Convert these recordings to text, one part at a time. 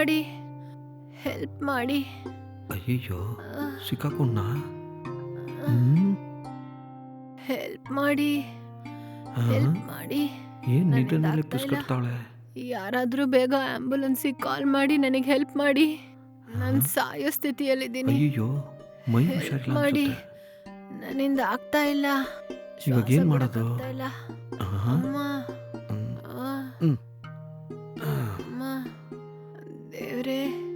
ಮಾಡಿ, ಹೆಲ್ಪ್ ಮಾಡಿ. ಅಯ್ಯಯ್ಯೋ ಸಿಕ್ಕಾಕೊಂಡ. ಹೆಲ್ಪ್ ಮಾಡಿ, ಹೆಲ್ಪ್ ಮಾಡಿ. ಏನ್ ನನ್ನಿಂದ ನಿದ್ದೆನಲ್ಲೇ ಆಗ್ತಾ ಇಲ್ಲ. ಪುಸ್ಕಟ್ತಾಳೆ. ಯಾರಾದ್ರೂ ಬೇಗ ಆಂಬ್ಯುಲೆನ್ಸಿಗೆ ಕಾಲ್ ಮಾಡಿ ನನಗೆ ಹೆಲ್ಪ್ ಮಾಡಿ. ನಾನು ಸಾಯೋ ಸ್ಥಿತಿಯಲ್ಲಿದ್ದೀನಿ. ಅಯ್ಯಯ್ಯೋ ಮೈ ಹೆಲ್ಪ್ ಹುಷಾರಿಲ್ಲ ಮಾಡಿ. ಅನ್ಸುತ್ತೆ. ನನ್ನಿಂದ ಆಗ್ತಾ ಇಲ್ಲ. ಇವಾಗ ಶ್ವಾಸ ಏನ್ ಮಾಡೋದು? ಬಿಡಕ್ಕಾಗ್ತಾ ಇಲ್ಲ. ಆಹಾ. ಅಮ್ಮ, ಹ್ಮ್. ಆ, ಹ್ಮ್. ಆ. ಅಮ್ಮ, ದೇವ್ರೇ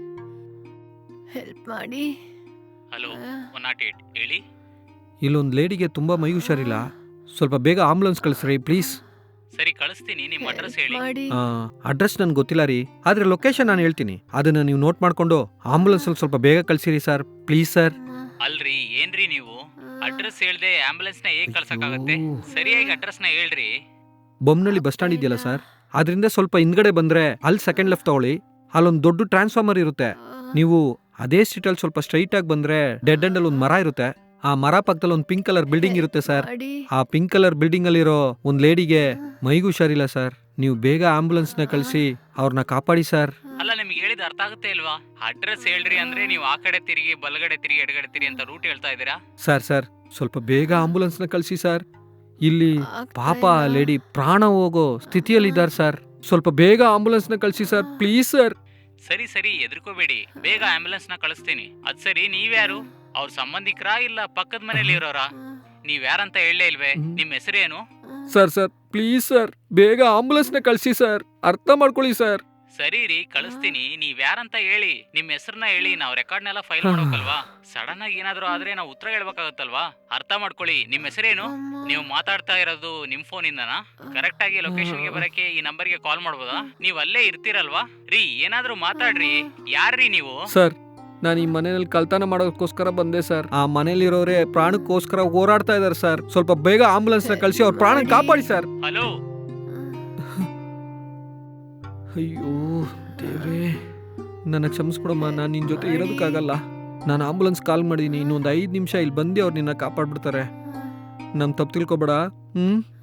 ಹೆಲ್ಪ್ ಮಾಡಿ. ಹಲೋ ಆ, 108 ಹೇಳಿ. ಇಲ್ಲೊಂದು ಲೇಡಿಗೆ ತುಂಬಾ ಮೈ ಹುಷಾರಿಲ್ಲ, ಸ್ವಲ್ಪ ಬೇಗ ಆಂಬುಲೆನ್ಸ್ ಕಳಿಸ್ರಿ ಪ್ಲೀಸ್. ಸರಿ ಕಳಿಸ್ತೀನಿ, ನಿಮ್ಮ ಅಡ್ರೆಸ್ ಹೆಲ್ಪ್ ಹೇಳಿ. ಮಾಡಿ. ಅಡ್ರೆಸ್ ನನ್ಗೆ ಗೊತ್ತಿಲ್ಲ ರೀ, ಆದ್ರೆ ಲೊಕೇಶನ್ ನಾನು ಹೇಳ್ತೀನಿ, ಅದನ್ನ ನೀವು ನೋಟ್ ಮಾಡ್ಕೊಂಡು ಆಂಬುಲೆನ್ಸ್ ಅಲ್ಲಿ ಸ್ವಲ್ಪ ಬೇಗ ಕಳಿಸಿರಿ ಸರ್ ಪ್ಲೀಸ್ ಸರ್. ಅಮ್ಮ, ಅಲ್ರಿ ಏನ್ರಿ ನೀವು ಆ, ಅಡ್ರೆಸ್ ಹೇಳ್ದೆ ಆಂಬುಲೆನ್ಸ್ ನ ಹೇಗ್ ಕಳ್ಸಕ್ಕಾಗತ್ತೆ? ಅಯ್ಯೋ. ಸರಿಯಾಗಿ ಅಡ್ರೆಸ್ ನ ಹೇಳ್ರಿ. ಬೊಮ್ಮನಹಳ್ಳಿ ಬಸ್ ಸ್ಟ್ಯಾಂಡ್ ಇದೆಯಲ್ಲ ಸರ್, ಅದರಿಂದ ಸ್ವಲ್ಪ ಹಿಂದ್ಗಡೆ ಬಂದ್ರೆ ಅಲ್ಲಿ ಸೆಕೆಂಡ್ ಲೆಫ್ಟ್ ತಗೊಳ್ಳಿ, ಅಲ್ಲೊಂದು ದೊಡ್ಡ ಟ್ರಾನ್ಸ್ಫಾರ್ಮರ್ ಇರುತ್ತೆ. ನೀವು ಅದೇ ಸ್ಟ್ರೀಟಲ್ಲಿ ಸ್ವಲ್ಪ ಸ್ಟ್ರೈಟ್ ಆಗಿ ಬಂದ್ರೆ ಡೆಡ್ ಎಂಡ್ ಅಲ್ಲಿ ಒಂದು ಮರ ಇರುತ್ತೆ, ಆ ಮರ ಪಕ್ಕದಲ್ಲಿ ಒಂದು ಪಿಂಕ್ ಕಲರ್ ಬಿಲ್ಡಿಂಗ್ ಇರುತ್ತೆ ಸರ್. ಮಾಡಿ. ಆ ಪಿಂಕ್ ಕಲರ್ ಬಿಲ್ಡಿಂಗ್ ಅಲ್ಲಿರೋ ಒಂದು ಲೇಡಿಗೆ ಮೈಗೂ ಹುಷಾರಿಲ್ಲ ಸರ್, ನೀವು ಬೇಗ ಆಂಬುಲೆನ್ಸ್ ನ ಕಳಿಸಿ ಅವ್ರನ್ನ ಕಾಪಾಡಿ ಸರ್. ಅಲ್ಲ ನಿಮ್ಗೆ ಹೇಳಿದ ಅರ್ಥ ಆಗುತ್ತೆ ಇಲ್ವಾ? ಅಡ್ರೆಸ್ ಹೇಳ್ರಿ ಅಂದ್ರೆ ನೀವು ಆ ಕಡೆ ತಿರುಗಿ ಬಲಗಡೆ ತಿರುಗಿ ಎಡಗಡೆ ತಿರುಗಿ ಅಂತ ರೂಟ್ ಹೇಳ್ತಾ ಇದ್ದೀರಾ. ಸರ್ ಸ್ವಲ್ಪ ಬೇಗ ಆಂಬುಲೆನ್ಸ್ ನ ಕಳಿಸಿ ಸರ್, ಇಲ್ಲಿ ಆಗ್ತಾ ಪಾಪ ಇಲ್ಲ. ಲೇಡಿ ಪ್ರಾಣ ಹೋಗೋ ಸ್ಥಿತಿಯಲ್ಲಿದ್ದಾರೆ ಸರ್, ಸ್ವಲ್ಪ ಬೇಗ ಆಂಬುಲೆನ್ಸ್ ನ ಕಳಿಸಿ ಸರ್ ಪ್ಲೀಸ್ ಸರ್. ಸರಿ ಎದ್ರಕೋಬೇಡಿ, ಬೇಗ ಆಂಬುಲೆನ್ಸ್ ನ ಕಳಿಸ್ತೀನಿ. ಅದ್ ಸರಿ ನೀವ್ಯಾರು? ಅವ್ರ ಸಂಬಂಧಿಕರಾ ಇಲ್ಲ ಪಕ್ಕದ ಮನೇಲಿ ಇರೋರಾ? ನೀವ್ ಯಾರಂತ ಹೇಳಲೇ ಇಲ್ವೇ? ನಿಮ್ ಹೆಸರೇನು? ಸರ್ ಪ್ಲೀಸ್ ಸರ್, ಬೇಗ ಆಂಬುಲೆನ್ಸ್ ನ ಕಳಿಸಿ ಸರ್, ಅರ್ಥ ಮಾಡ್ಕೊಳ್ಳಿ ಸರ್. ಸರಿ ರೀ ಕಳಿಸ್ತೀನಿ, ನೀವ್ ಯಾರಂತ ಹೇಳಿ, ನಿಮ್ ಹೆಸರನ್ನ ಹೇಳಿ, ನಾವು ರೆಕಾರ್ಡ್ನೆಲ್ಲ ಫೈಲ್ ಮಾಡ್ಬೇಕಲ್ವಾ? ಸಡನ್ ಆಗಿ ಏನಾದ್ರು ಆದ್ರೆ ನಾವು ಉತ್ತರ ಹೇಳ್ಬೇಕಾಗತ್ತಲ್ವಾ? ಅರ್ಥ ಮಾಡ್ಕೊಳ್ಳಿ. ನಿಮ್ ಹೆಸರೇನು? ಅಮ್ಮ, ನೀವು ಮಾತಾಡ್ತಾ ಇರೋದು ನಿಮ್ ಫೋನ್ ಇಂದನಾ? ಕರೆಕ್ಟ್ ಆಗಿ ಲೊಕೇಶನ್ಗೆ ಬರಕ್ಕೆ ಈ ನಂಬರ್ಗೆ ಕಾಲ್ ಮಾಡ್ಬೋದಾ? ನೀವ್ ಅಲ್ಲೇ ಇರ್ತೀರಲ್ವಾ? ರೀ ಏನಾದ್ರೂ ಮಾತಾಡ್ರಿ, ಯಾರ್ರೀ ನೀವು? ಸರ್ ನಾನು ಈ ಮನೆಯಲ್ಲಿ ಕಳ್ತನ ಮಾಡೋದಕ್ಕೋಸ್ಕರ ಬಂದೆ ಸರ್, ಆ ಮನೇಲಿರೋರೇ ಪ್ರಾಣಕ್ಕೋಸ್ಕರ ಹೋರಾಡ್ತಾ ಇದಾರೆ ಸರ್, ಸ್ವಲ್ಪ ಬೇಗ ಆಂಬುಲೆನ್ಸ್ ನ ಕಳಿಸಿ ಅವ್ರ ಪ್ರಾಣ ಕಾಪಾಡಿ ಸರ್. ಹಲೋ ಅಯ್ಯೋ ದೇವ್ರೇ, ನನ್ನ ಕ್ಷಮಿಸ್ಬಿಡಮ್ಮ, ನಾನು ನಿನ್ನ ಜೊತೆ ಇರೋದಕ್ಕಾಗಲ್ಲ. ನಾನು ಆಂಬುಲೆನ್ಸ್ ಕಾಲ್ ಮಾಡಿದ್ದೀನಿ, ಇನ್ನೊಂದು 5 ನಿಮಿಷ ಇಲ್ಲಿ ಬಂದು ಅವ್ರು ನಿನ್ನ ಕಾಪಾಡ್ಬಿಡ್ತಾರೆ. ನಮ್ಮ ತಪ್ಪು ತಿಳ್ಕೊಬೇಡ.